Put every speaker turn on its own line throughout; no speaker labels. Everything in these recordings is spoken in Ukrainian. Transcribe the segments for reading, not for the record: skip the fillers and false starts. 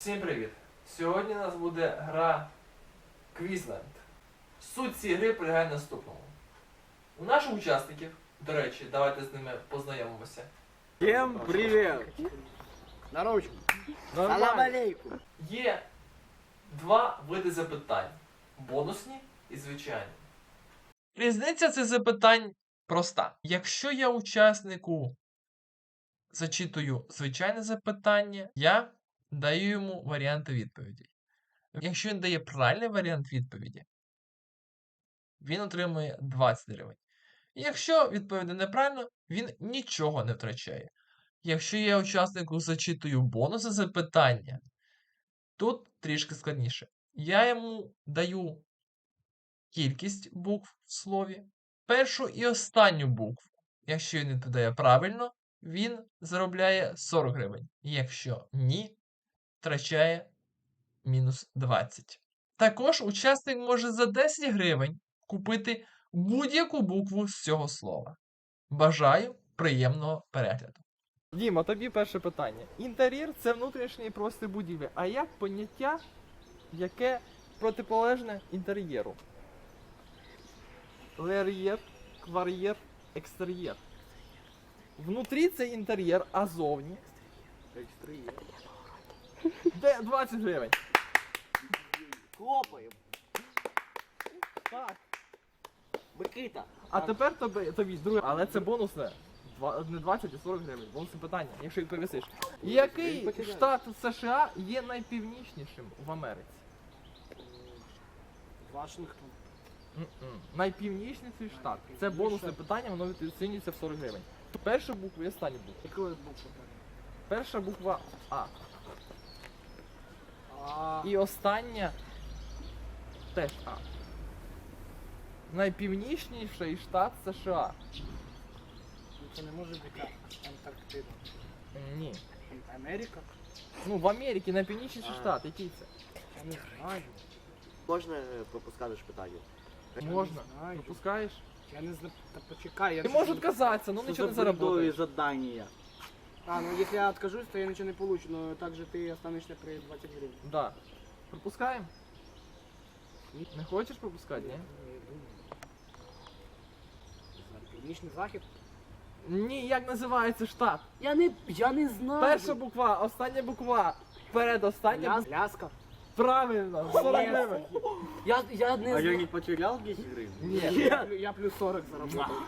Всім привіт! Сьогодні у нас буде гра Quizland. Суть цієї гри полягає в наступному. У наших учасників, до речі, давайте з ними познайомимося.
Всем привет! На ручку. Салам алейкум.
Є два види запитань. Бонусні і звичайні. Різниця цих запитань проста. Якщо я учаснику зачитую звичайне запитання, я даю йому варіанти відповіді. Якщо він дає правильний варіант відповіді, він отримує 20 гривень. Якщо відповідає неправильно, він нічого не втрачає. Якщо я учаснику зачитую бонуси запитання, тут трішки складніше. Я йому даю кількість букв в слові, першу і останню букву. Якщо він відповідає правильно, він заробляє 40 гривень. Якщо ні, втрачає мінус 20. Також учасник може за 10 гривень купити будь-яку букву з цього слова. Бажаю приємного перегляду. Діма, тобі перше питання. Інтер'єр – це внутрішній простір будівлі. А як поняття, яке протиполежне інтер'єру? Лер'єр, квар'єр, екстер'єр. Внутрі це інтер'єр, а зовні?
Екстер'єр.
Де 20 гривень?
Хлопаємо.
Так.
Микита.
А тепер тобі друге. Але це бонусне. Не 20, а 40 гривень. Бонусне питання, якщо відповісиш. Який штат США є найпівнічнішим в Америці?
Вашингтон.
Найпівнічніший штат. Це бонусне питання, воно оцінюється в 40 гривень. Перша буква і остання буква.
Яка буква?
Перша буква А.
А.
І остання теж А. Найпівнічніший штат США.
Це не може бути Антарктида.
Ні.
Америка?
Ну, в Америці найпівнічніший штат. Який це?
Я не знаю.
Можна пропускати ж питання?
Можна.
знаю.
Пропускаєш?
Я не знаю. Та почекай. Я
Ти
ж
можеш
не-
отказатися, ну нічого не заработаєш.
задання.
А, ну если я откажусь, то я ничего не получу, но также ты останешься при 20 гривен.
Да. Пропускаємо? Не хочеш пропускати, ні?
Я думаю. Північний захід?
Ні, як називається штат?
Я не знаю.
Перша буква, остання буква, передостання буква.
Ляска.
Правильно, 40 гривень.
Я не знаю.
не потерял 10 гривен?
Ні.
Я плюс 40 заработал.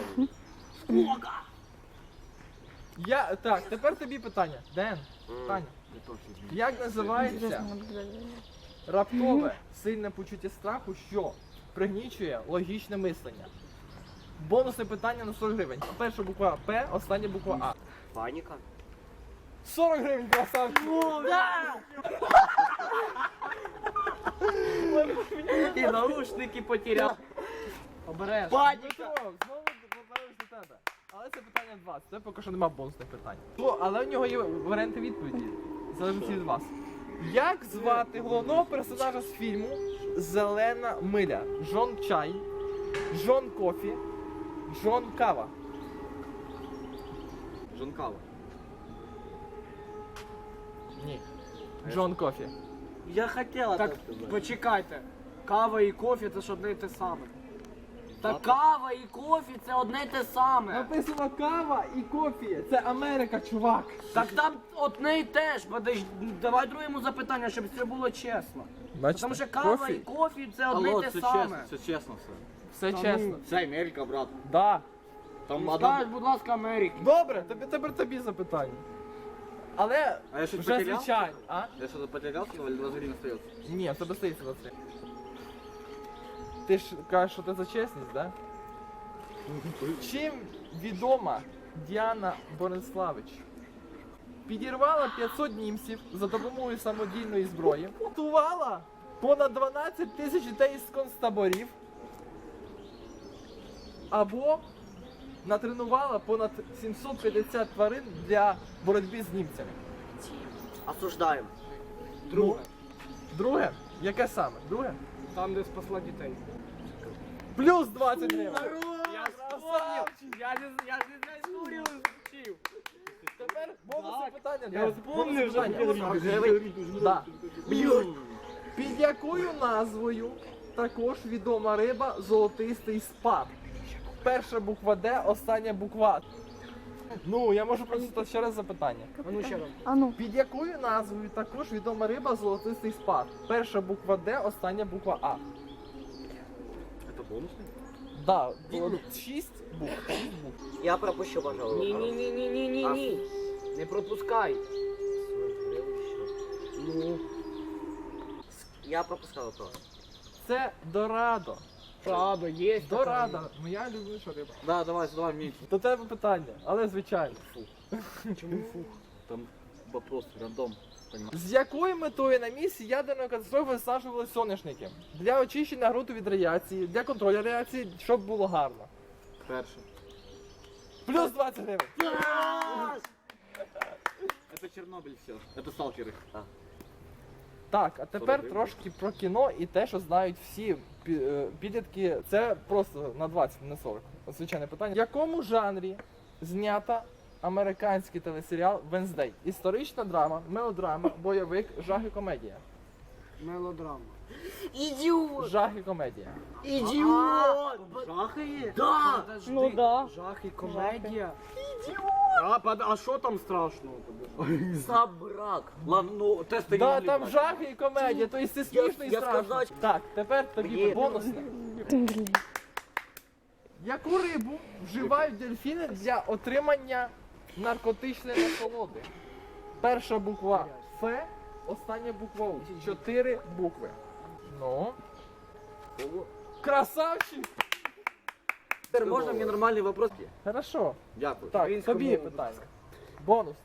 Так, тепер тобі питання. Ден, питання. Як називається раптове сильне почуття страху, що пригнічує логічне мислення? Бонусне питання на 40 гривень. Перша буква П, остання буква А.
Паника?
40 гривень, красавчик!
І наушники потеряв. Обереш.
Дмитро, знову повернусь до тебе. Але це питання 20, це поки що нема бонусних питань. Але в нього є варіанти відповіді. Залежить від вас. Як звати головного персонажа з фільму Зелена миля? Джон Чай, Джон Кофі, Джон Кава.
Жонкава.
Ні. Джон Кофі.
Я хотела
Так, почекайте. Кава і кофе це ж одне і те саме. Та кава і кофе це одне і те саме.
Написано кава і кофі. Це Америка, чувак.
Так там одне і те ж. Давай другому запитання, щоб це було чесно. Тому що кава і кофе це одне і те саме.
Це чесно все.
Все
Та
чесно.
ну.
Це Америка, брат.
Да.
Там
Скажеш, будь ласка, Америки.
Добре, тепер тобі запитання. Але
А я щось
вже
потеряв?
звичайно. А?
Я что-то потерял, сказал, или 20 гривен остается?
Ні, в тебе стоїть 23. Ти ж кажеш, що ти за чесність, да? Чим відома Діана Бориславич? Підірвала 500 німців за допомогою самодільної зброї, готувала понад 12 тисяч дітей з концтаборів, або натренувала понад 750 тварин для боротьби з німцями.
Осуждаем.
Друге.
Друге? Яке саме? Друге?
Там, де спасла дітей.
Плюс 20 гривень.
Я ж не знаю історію вчив.
тепер бонусне питання.
Я вспомнив вже.
Да. Під якою назвою також відома риба золотистий спад? Перша буква Д, остання буква. Ну, я можу просто ще раз запитання.
А ну ще раз.
А ну.
Під якою назвою також відома риба золотистий спад? Перша буква Д, остання буква А.
Это бонусный?
Да, 6 букв.
Я пропущу, пожалуй.
Ні. Не пропускай. Ну,
Я пропускал вопрос.
Це дорадо.
правда, є.
Дорадо. Моя любиша риба.
Да, давай, задавай меньше.
До тебе питання, але звичайно.
Чому фух?
Там вопрос рандом. Понимаешь?
З якою метою на місці ядерної катастрофи висаджували соняшники? Для очищення ґрунту від радіації, для контролю радіації, щоб було гарно.
Перше.
Плюс 20 гривень.
Это Чернобыль все. Это сталкеры.
Так, а тепер
40
трошки про кіно і те, що знають всі підлітки. Це просто на 20, не 40. Звичайне питання. В якому жанрі знята американський телесеріал Венздей? Історична драма, мелодрама, бойовик, жах і комедія.
Мелодрама.
Идиот!
Жах і комедія.
Идиот! Жахает? Да!
Подожди.
Ну да.
Жах і комедія. А що там страшного?
Собрак. Ладно, ну тесты не
Да,
могли
там
брать.
жах і комедія, тобто це смішно і
я
страшно.
сказав,
Так, тепер тобі
Мені-
бонусне. Яку рибу вживають дельфіни для отримання наркотичної насолоди? Перша буква Ф, остання буква У. 4 букви. Ну. Красавчик!
Теперь можно мне нормальный вопрос?
Хорошо.
Дякую.
Так,
Українською
тобі
мовою,
питання. Бонус.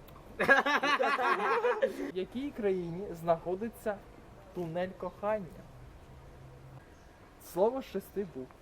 В якій країні знаходиться тунель кохання? Слово з 6 букв.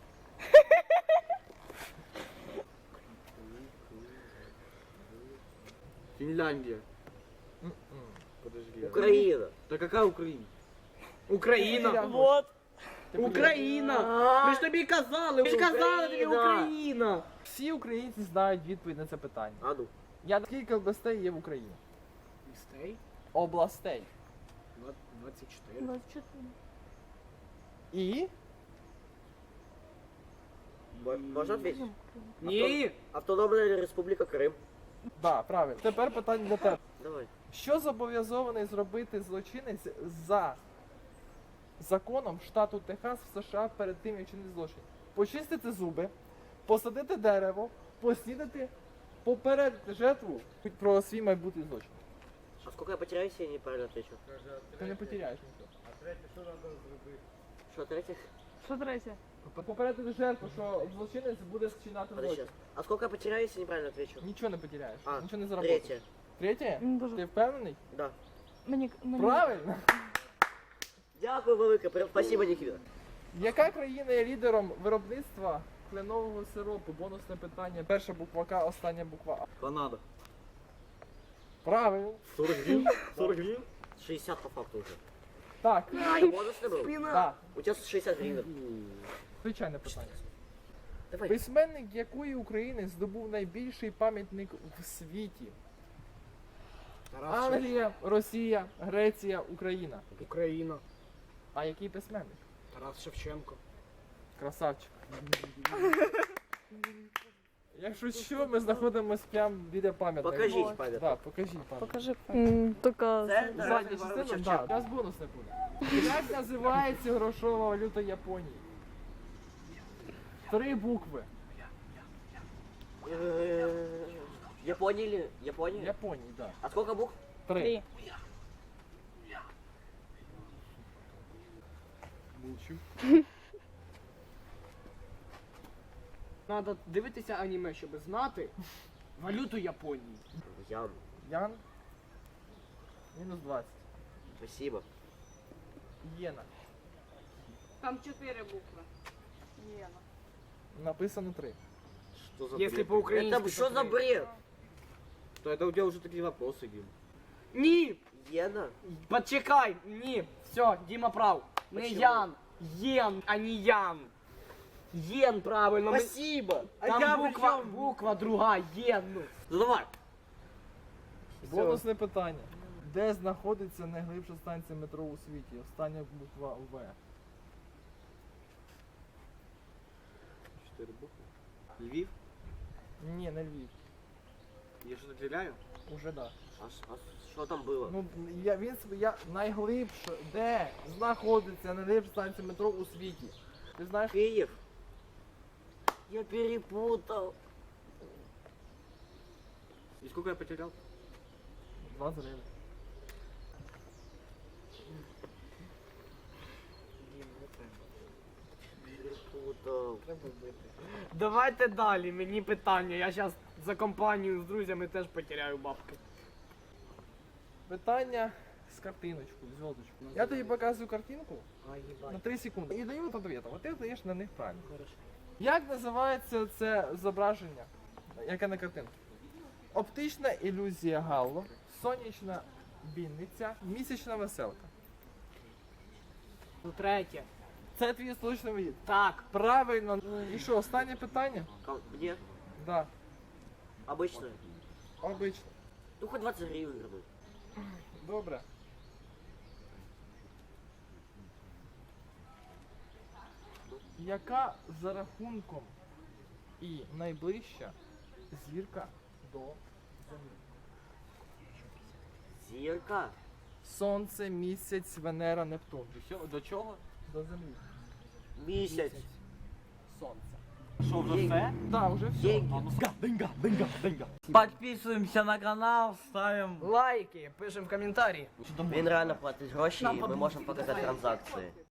Финляндия. Подожди.
Украина.
Да какая Украина?
Україна.
Вот.
Україна! Ми ж тобі казали! Ми ж казали тобі Україна!
Всі українці знають відповідь на це питання.
А ну.
Скільки областей є в Україні?
Містей?
Областей.
24.
24.
І
Можно ответить?
Ні!
Автономная Республика Крым.
да, правильно. Тепер питання для тебе.
Давай.
Що зобов'язований зробити злочинець за законом штату Техас в США перед тим, як чинити злочин? Почистити зуби, посадити дерево, поснідати, попередити жертву про свій майбутній злочин.
А сколько я потеряю, если я неправильно отвечу?
Ти не потеряєш нічого.
Что, третье?
Що третє?
Попередити жертву, що злочинець буде вчиняти
Подожди.
злочин.
А сколько я потеряю, если неправильно отвечу?
Нічого не потеряєш,
А,
нічого не заробиш.
третье.
Третє?
Дуже.
Ти впевнений?
Да.
Мені
Правильно.
Дякую велике, спасибо, Никита.
Яка країна є лідером виробництва кленового сиропу? Бонусне питання. Перша буква К, остання буква А.
Канада.
Правильно.
40 гривен? 40 гривен?
60 по факту уже.
Так,
Это бонусный был?
так,
У тебя 60 гривен.
звичайне питання.
Давай.
Письменник якої України здобув найбільший пам'ятник в світі? Англія, Росія, Греція, Україна.
Україна.
А який письменник?
Тарас Шевченко.
Красавчик. Якщо що, ми знаходимося прямо біля пам'ятника.
Покажіть пам'ятник.
Да, покажіть пам'ятник.
Покажи. Тільки
Це
Задня частина, так, зараз бонус не буде. Як називається грошова валюта Японії? 3 букви.
Япония или... Япония?
Японії, так.
А сколько букв?
3.
3.
Мовчу.
Надо дивитися аніме, щоб знати валюту Японії.
Ян.
Ян. Мінус 20.
Спасибо.
Єна.
Там 4 букви. Єна.
Написано 3.
Что за
Якщо
бред?
по-українськи.
Это что за бред?
То это у тебя уже такие вопросы, Дим.
Ні!
Ена?
Почекай! Ні! Все, Діма прав. Не
Почему?
Ян. Єн, а не Ян. Єн, правильно. Ми-
Спасибо.
Там буква друга, єн. Ну.
Задавай.
Бонусне питання. Де знаходиться найглибша станція метро у світі? Остання буква В.
4 букви. Львів?
Ні, не Львів.
Я що наділяю?
Уже да.
А что там было?
Ну, я найглибше, де знаходиться найглибша станція метро у світі? Ти знаєш?
Киев. Я перепутал.
И сколько я потерял?
20 гривень.
Перепутал.
Давайте далі, мені питання. Я зараз за компанію з друзями теж потеряю бабки.
Питання з картиночкою, зв'язочкою. Я тобі показую картинку на 3 секунди і даю відповідь, а ти даєш на них правильно. Як називається це зображення, яке на картинці? Оптична ілюзія Галло, сонячна бійниця, місячна веселка.
Ну, третє.
Це твій остаточний відповідь.
Так.
Правильно. І що, останнє питання?
Мне?
Да,
Обычно.
обично.
Ну хоть 20 гривен вернуть.
Добре. Яка за рахунком і найближча зірка до Землі?
Зірка.
Сонце, місяць, Венера, Нептун.
До чого?
До Землі.
Місяць.
Сонце.
Що, вже все?
Так, вже все.
Деньги.
Подписываемся на канал, ставим
Лайки, пишемо в коментарі.
Він реально платить гроші, і ми можемо показати транзакції.